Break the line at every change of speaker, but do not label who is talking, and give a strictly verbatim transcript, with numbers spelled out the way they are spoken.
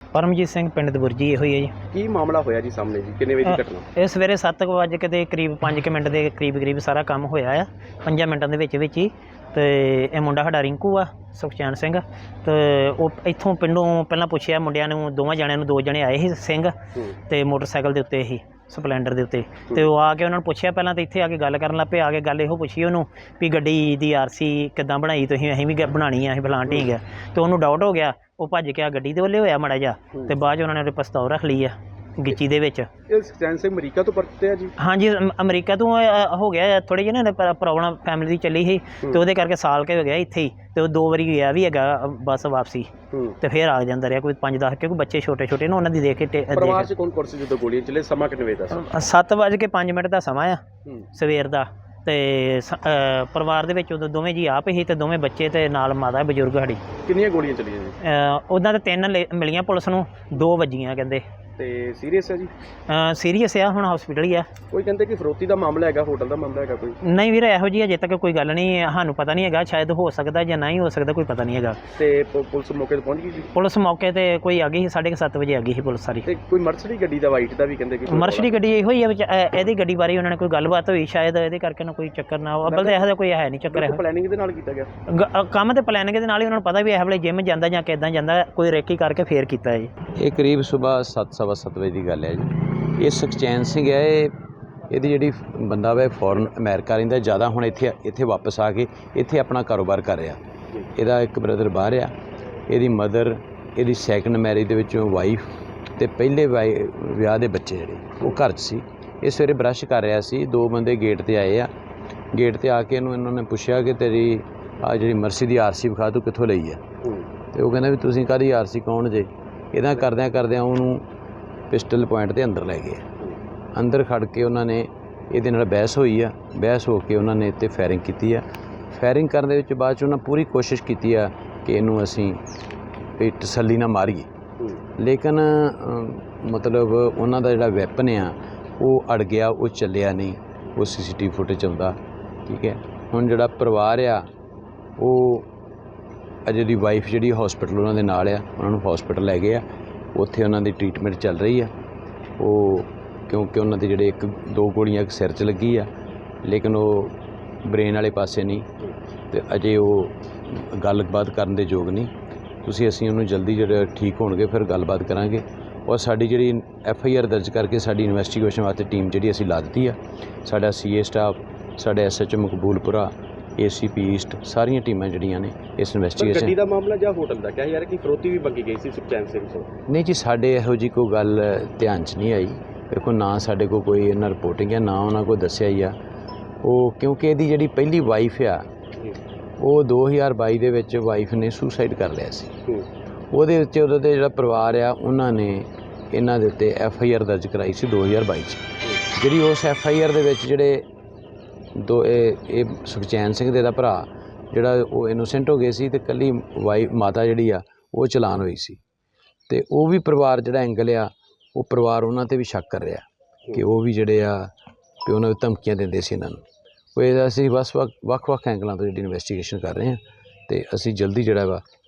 परमजीत सिंह पिंड दबुरजी ਇਹੋ ਹੀ ਹੈ ਜੀ।
ਕੀ ਮਾਮਲਾ ਹੋਇਆ ਜੀ ਸਾਹਮਣੇ ਜੀ, ਕਿੰਨੇ ਵਜੇ ਦੀ ਘਟਨਾ?
ਇਹ ਸਵੇਰੇ ਸੱਤ ਕੁ ਵਜੇ ਦੇ ਕਰੀਬ ਪੰਜ ਕੁ ਮਿੰਟ ਦੇ ਕਰੀਬ ਕਰੀਬ ਸਾਰਾ ਕੰਮ ਹੋਇਆ ਆ, ਪੰਜਾਂ ਮਿੰਟਾਂ ਦੇ ਵਿੱਚ ਵਿੱਚ ਹੀ। ਤੇ ਇਹ ਮੁੰਡਾ ਸਾਡਾ ਰਿੰਕੂ ਆ, ਸੁਖਚੈਨ ਸਿੰਘ। ਤੇ ਉਹ ਇੱਥੋਂ ਪਿੰਡੋਂ ਪਹਿਲਾਂ ਪੁੱਛਿਆ ਮੁੰਡਿਆਂ ਨੂੰ, ਦੋਵਾਂ ਜਣਿਆਂ ਨੂੰ, ਦੋ ਜਣੇ ਆਏ ਸੀ ਸਿੰਘ ਤੇ ਮੋਟਰਸਾਈਕਲ ਦੇ ਉੱਤੇ ਹੀ, ਸਪਲੈਂਡਰ ਦੇ ਉੱਤੇ। ਤੇ ਉਹ ਆ ਕੇ ਉਹਨਾਂ ਨੂੰ ਪੁੱਛਿਆ ਪਹਿਲਾਂ, ਤਾਂ ਇੱਥੇ ਆ ਕੇ ਗੱਲ ਕਰਨ ਲੱਗ ਪਏ। ਆ ਕੇ ਗੱਲ ਇਹੋ ਪੁੱਛੀ ਉਹਨੂੰ ਵੀ ਗੱਡੀ ਦੀ ਆਰ ਸੀ ਕਿੱਦਾਂ ਬਣਾਈ ਤੁਸੀਂ? ਅਸੀਂ ਵੀ ਬਣਾਉਣੀ ਆ, ਅਸੀਂ ਫਲਾਣ ਠੀਕ ਆ। ਤੇ ਉਹਨੂੰ ਡਾਊਟ ਹੋ ਗਿਆ, ਉਹ ਭੱਜ ਕੇ ਆ ਗੱਡੀ ਦੇ ਵੱਲੇ ਹੋਇਆ ਮਾੜਾ ਜਿਹਾ। ਤੇ ਬਾਅਦ 'ਚ ਉਹਨਾਂ ਨੇ ਉਹਦੇ ਪਿਸਤੌਲ ਰੱਖ ਲਈ ਆ ਗਿੱਚੀ ਦੇ ਵਿੱਚ।
ਇਹ ਸੁਖਚੈਨ ਸਿੰਘ ਅਮਰੀਕਾ ਤੋਂ ਪਰਤੇ ਆ ਜੀ? ਹਾਂਜੀ,
ਅਮ- ਅਮਰੀਕਾ ਤੋਂ ਅ, ਹੋ ਗਿਆ ਥੋੜ੍ਹੀ ਜਿਹੀ ਨਾ ਪ੍ਰੋਬਲਮ ਫੈਮਿਲੀ ਦੀ ਚੱਲੀ ਸੀ, ਤੇ ਉਹਦੇ ਕਰਕੇ ਸਾਲ ਕੇ ਹੋ ਗਿਆ ਇੱਥੇ ਹੀ। ਤੇ ਉਹ ਦੋ ਵਾਰੀ ਗਿਆ ਵੀ ਹੈਗਾ ਬੱਸ ਵਾਪਸੀ, ਤੇ ਫਿਰ ਆ ਜਾਂਦਾ ਰਿਹਾ ਕੋਈ ਪੰਜ ਦਸ, ਕਿਉਂਕਿ ਬੱਚੇ ਛੋਟੇ ਛੋਟੇ ਨੇ, ਉਹਨਾਂ ਦੀ ਦੇਖ ਕੇ ਟੇ-
ਪਰਿਵਾਰ 'ਚ ਕੌਣ ਕੌਣ ਸੀ ਜਦੋਂ ਗੋਲੀਆਂ ਚੱਲੇ? ਸਮਾਂ ਕਿੰਨੇ ਵਜੇ ਦਾ ਸੀ?
ਸੱਤ ਵੱਜ ਕੇ ਪੰਜ ਮਿੰਟ ਦਾ ਸਮਾਂ ਆ ਸਵੇਰ ਦਾ। ਤੇ ਸ- ਅ, ਪਰਿਵਾਰ ਦੇ ਵਿੱਚ ਉਦੋਂ ਦੋਵੇਂ ਜੀ ਆਪ ਹੀ, ਤੇ ਦੋਵੇਂ ਬੱਚੇ, ਤੇ ਨਾਲ ਮਾਤਾ ਬਜ਼ੁਰਗ ਸਾਡੀ।
ਕਿੰਨੀਆਂ ਗੋਲੀਆਂ ਚੱਲੀਆਂ ਜੀ?
ਉੱਦਾਂ ਤਾਂ ਤਿੰਨ ਲੇ- ਮਿਲੀਆਂ ਪੁਲਿਸ ਨੂੰ, ਦੋ ਵੱਜੀਆਂ ਕਹਿੰਦੇ।
ਤੇ ਸੀਰੀਅਸ ਹੈ ਜੀ?
ਸੀਰੀਅਸ ਆ, ਹੁਣ ਹਸਪੀਟਲ ਹੀ ਆ।
ਕੋਈ ਕਹਿੰਦੇ ਕਿ ਫਰੋਤੀ ਦਾ ਮਾਮਲਾ ਹੈਗਾ, ਹੋਟਲ ਦਾ ਮਾਮਲਾ ਹੈਗਾ ਕੋਈ?
ਨਹੀਂ ਵੀਰ, ਇਹੋ ਜਿਹੀ ਅਜੇ ਤੱਕ ਕੋਈ ਗੱਲ ਨਹੀਂ, ਸਾਨੂੰ ਪਤਾ ਨਹੀਂ ਹੈਗਾ। ਸ਼ਾਇਦ ਹੋ ਸਕਦਾ ਜਾਂ ਨਹੀਂ ਹੋ ਸਕਦਾ, ਕੋਈ ਪਤਾ ਨਹੀਂ ਹੈਗਾ।
ਤੇ ਪ- ਪੁਲਿਸ ਮੌਕੇ ਤੇ ਪਹੁੰਚ ਗਈ ਜੀ?
ਪੁਲਿਸ ਮੌਕੇ ਤੇ ਕੋਈ ਆ ਗਈ ਸੀ, ਸਾਢੇ ਕੁ ਸੱਤ ਵਜੇ ਆ ਗਈ ਸੀ ਪੁਲਿਸ ਸਾਰੀ।
ਤੇ ਕੋਈ ਮਰਸਡੀ ਗੱਡੀ ਦਾ, ਵਾਈਟ ਦਾ ਵੀ ਕਹਿੰਦੇ ਕਿ
ਮਰਸ਼ਡੀ ਗੱਡੀ ਇਹੋ ਹੀ ਆ ਵਿੱਚ। ਅ, ਇਹਦੀ ਗੱਡੀ ਬਾਰੇ ਉਹਨਾਂ ਨੇ ਕੋਈ ਗੱਲਬਾਤ ਹੋਈ ਸ਼ਾਇਦ, ਇਹਦੇ ਕਰਕੇ ਨਾ ਕੋਈ ਚੱਕਰ ਨਾ ਹੋ। ਅੱਬਲ ਤਾਂ ਇਹੋ ਜਿਹਾ ਕੋਈ ਹੈ ਨਹੀਂ ਚੱਕਰ। ਇਹੋ
ਪਲੈਨਿੰਗ ਦੇ ਨਾਲ ਕੀਤਾ ਗਿਆ
ਗ- ਅ, ਕੰਮ ਤੇ ਪਲੈਨਿੰਗ ਦੇ ਨਾਲ ਹੀ, ਉਹਨਾਂ ਨੂੰ ਪਤਾ ਵੀ ਇਹ ਵੇਲੇ ਜਿਮ ਜਾਂਦਾ ਜਾਂ ਕਿੱਦਾਂ ਜਾਂਦਾ, ਕੋਈ ਰੇਕੀ ਕਰਕੇ ਫੇਰ ਕੀਤਾ ਜੀ।
ਇਹ ਕਰੀਬ ਸਵੇਰ ਸੱਤ ਸਵਾ ਸੱਤ ਵਜੇ ਦੀ ਗੱਲ ਹੈ ਜੀ। ਇਹ ਸੁਖਚੈਨ ਸਿੰਘ ਹੈ, ਇਹ ਇਹਦੀ ਜਿਹੜੀ ਬੰਦਾ ਵਾ ਫੋਰਨ ਅਮਰੀਕਾ ਰਹਿੰਦਾ ਜ਼ਿਆਦਾ, ਹੁਣ ਇੱਥੇ ਇੱਥੇ ਵਾਪਸ ਆ ਕੇ ਇੱਥੇ ਆਪਣਾ ਕਾਰੋਬਾਰ ਕਰ ਰਿਹਾ। ਇਹਦਾ ਇੱਕ ਬ੍ਰਦਰ ਬਾਹਰ ਆ, ਇਹਦੀ ਮਦਰ, ਇਹਦੀ ਸੈਕੰਡ ਮੈਰਿਜ ਦੇ ਵਿੱਚੋਂ ਵਾਈਫ, ਅਤੇ ਪਹਿਲੇ ਵਾਈ ਵਿਆਹ ਦੇ ਬੱਚੇ ਜਿਹੜੇ ਉਹ ਘਰ 'ਚ ਸੀ। ਇਹ ਸਵੇਰੇ ਬਰੱਸ਼ ਕਰ ਰਿਹਾ ਸੀ, ਦੋ ਬੰਦੇ ਗੇਟ 'ਤੇ ਆਏ ਆ। ਗੇਟ 'ਤੇ ਆ ਕੇ ਇਹਨੂੰ ਇਹਨਾਂ ਨੇ ਪੁੱਛਿਆ ਕਿ ਤੇਰੀ ਆ ਜਿਹੜੀ ਮਰਸੀ ਦੀ ਆਰ ਸੀ ਵਿਖਾ, ਤੂੰ ਕਿੱਥੋਂ ਲਈ ਆ? ਅਤੇ ਉਹ ਕਹਿੰਦਾ ਵੀ ਤੁਸੀਂ ਕਾਹਦੀ ਆਰ ਸੀ, ਕੌਣ ਜੇ? ਇੱਦਾਂ ਕਰਦਿਆਂ ਕਰਦਿਆਂ ਉਹਨੂੰ ਪਿਸਟਲ ਪੁਆਇੰਟ 'ਤੇ ਅੰਦਰ ਲੈ ਗਏ। ਅੰਦਰ ਖੜ੍ਹ ਕੇ ਉਹਨਾਂ ਨੇ ਇਹਦੇ ਨਾਲ ਬਹਿਸ ਹੋਈ ਆ। ਬਹਿਸ ਹੋ ਕੇ ਉਹਨਾਂ ਨੇ ਇੱਥੇ ਫਾਇਰਿੰਗ ਕੀਤੀ ਆ। ਫਾਇਰਿੰਗ ਕਰਨ ਦੇ ਵਿੱਚ ਬਾਅਦ 'ਚ ਉਹਨਾਂ ਪੂਰੀ ਕੋਸ਼ਿਸ਼ ਕੀਤੀ ਆ ਕਿ ਇਹਨੂੰ ਅਸੀਂ ਇਹ ਤਸੱਲੀ ਨਾਲ ਮਾਰੀਏ, ਲੇਕਿਨ ਮਤਲਬ ਉਹਨਾਂ ਦਾ ਜਿਹੜਾ ਵੈਪਨ ਆ ਉਹ ਅੜ ਗਿਆ, ਉਹ ਚੱਲਿਆ ਨਹੀਂ। ਉਹ ਸੀ ਸੀ ਟੀ ਵੀ ਫੁਟੇਜ ਆਉਂਦਾ, ਠੀਕ ਹੈ। ਹੁਣ ਜਿਹੜਾ ਪਰਿਵਾਰ ਆ ਉਹ ਅਜੇ ਦੀ ਵਾਈਫ ਜਿਹੜੀ ਹੌਸਪੀਟਲ ਉਹਨਾਂ ਦੇ ਨਾਲ ਆ, ਉਹਨਾਂ ਨੂੰ ਹੌਸਪੀਟਲ ਲੈ ਗਏ ਆ। ਉੱਥੇ ਉਹਨਾਂ ਦੀ ਟਰੀਟਮੈਂਟ ਚੱਲ ਰਹੀ ਆ। ਉਹ ਕਿਉਂਕਿ ਉਹਨਾਂ ਦੇ ਜਿਹੜੇ ਇੱਕ ਦੋ ਗੋਲੀਆਂ ਇੱਕ ਸਿਰ 'ਚ ਲੱਗੀ ਆ, ਲੇਕਿਨ ਉਹ ਬ੍ਰੇਨ ਵਾਲੇ ਪਾਸੇ ਨਹੀਂ, ਅਤੇ ਅਜੇ ਉਹ ਗੱਲਬਾਤ ਕਰਨ ਦੇ ਯੋਗ ਨਹੀਂ। ਤੁਸੀਂ ਅਸੀਂ ਉਹਨੂੰ ਜਲਦੀ ਜਿਹੜਾ ਠੀਕ ਹੋਣਗੇ ਫਿਰ ਗੱਲਬਾਤ ਕਰਾਂਗੇ। ਔਰ ਸਾਡੀ ਜਿਹੜੀ ਐਫ ਆਈ ਆਰ ਦਰਜ ਕਰਕੇ ਸਾਡੀ ਇਨਵੈਸਟੀਗੇਸ਼ਨ ਵਾਸਤੇ ਟੀਮ ਜਿਹੜੀ ਅਸੀਂ ਲਾ ਦਿੱਤੀ ਆ। ਸਾਡਾ ਸੀ ਏ ਸਟਾਫ, ਸਾਡੇ S H O Maqboolpura, A C P east, ਸਾਰੀਆਂ ਟੀਮਾਂ ਜਿਹੜੀਆਂ ਨੇ ਇਸ ਇਨਵੈਸਟੀਗੇਸ਼ਨ।
ਗੱਡੀ ਦਾ ਮਾਮਲਾ ਜਾਂ ਹੋਟਲ ਦਾ ਕਿਹਾ ਯਾਰ ਕਿ ਫਰੋਤੀ ਵੀ ਮੰਗੀ ਗਈ ਸੀ ਸੁਖਚੈਨ ਸਿੰਘ ਤੋਂ?
ਨਹੀਂ ਜੀ, ਸਾਡੇ ਇਹੋ ਜਿਹੀ ਕੋਈ ਗੱਲ ਧਿਆਨ 'ਚ ਨਹੀਂ ਆਈ। ਦੇਖੋ, ਨਾ ਸਾਡੇ ਕੋਲ ਕੋਈ ਇਹਨਾਂ ਰਿਪੋਰਟਿੰਗ ਹੈ, ਨਾ ਉਹਨਾਂ ਕੋਲ ਦੱਸਿਆ ਹੀ ਆ। ਉਹ ਕਿਉਂਕਿ ਇਹਦੀ ਜਿਹੜੀ ਪਹਿਲੀ ਵਾਈਫ ਆ, ਉਹ ਦੋ ਹਜ਼ਾਰ ਬਾਈ ਦੇ ਵਿੱਚ ਵਾਈਫ ਨੇ ਸੁਸਾਈਡ ਕਰ ਲਿਆ ਸੀ। ਉਹਦੇ ਵਿੱਚ ਉਹਦੇ ਦੇ ਜਿਹੜਾ ਪਰਿਵਾਰ ਆ, ਉਹਨਾਂ ਨੇ ਇਹਨਾਂ ਦੇ ਉੱਤੇ ਐਫ ਆਈ ਆਰ ਦਰਜ ਕਰਾਈ ਸੀ ਦੋ ਹਜ਼ਾਰ ਬਾਈ 'ਚ। ਜਿਹੜੀ ਉਸ ਐਫ ਆਈ ਆਰ ਦੇ ਵਿੱਚ ਜਿਹੜੇ ਦੋ ਇਹ ਇਹ ਸੁਖਚੈਨ ਸਿੰਘ ਦੇ ਦਾ ਭਰਾ ਜਿਹੜਾ ਉਹ ਇਨੋਸੈਂਟ ਹੋ ਗਏ ਸੀ, ਅਤੇ ਇਕੱਲੀ ਵਾਈ ਮਾਤਾ ਜਿਹੜੀ ਆ ਉਹ ਚਲਾਨ ਹੋਈ ਸੀ। ਅਤੇ ਉਹ ਵੀ ਪਰਿਵਾਰ ਜਿਹੜਾ ਐਂਗਲ ਆ, ਉਹ ਪਰਿਵਾਰ ਉਹਨਾਂ 'ਤੇ ਵੀ ਸ਼ੱਕ ਕਰ ਰਿਹਾ ਕਿ ਉਹ ਵੀ ਜਿਹੜੇ ਆ ਕਿ ਉਹਨਾਂ ਨੂੰ ਧਮਕੀਆਂ ਦਿੰਦੇ ਸੀ ਇਹਨਾਂ ਨੂੰ। ਉਹ ਇਹਦਾ ਅਸੀਂ ਬਸ ਵੱਖ ਵੱਖ ਵੱਖ ਐਂਗਲਾਂ ਤੋਂ ਜਿਹੜੀ ਇਨਵੈਸਟੀਗੇਸ਼ਨ ਕਰ ਰਹੇ ਹਾਂ, ਅਤੇ ਅਸੀਂ ਜਲਦੀ ਜਿਹੜਾ ਵਾ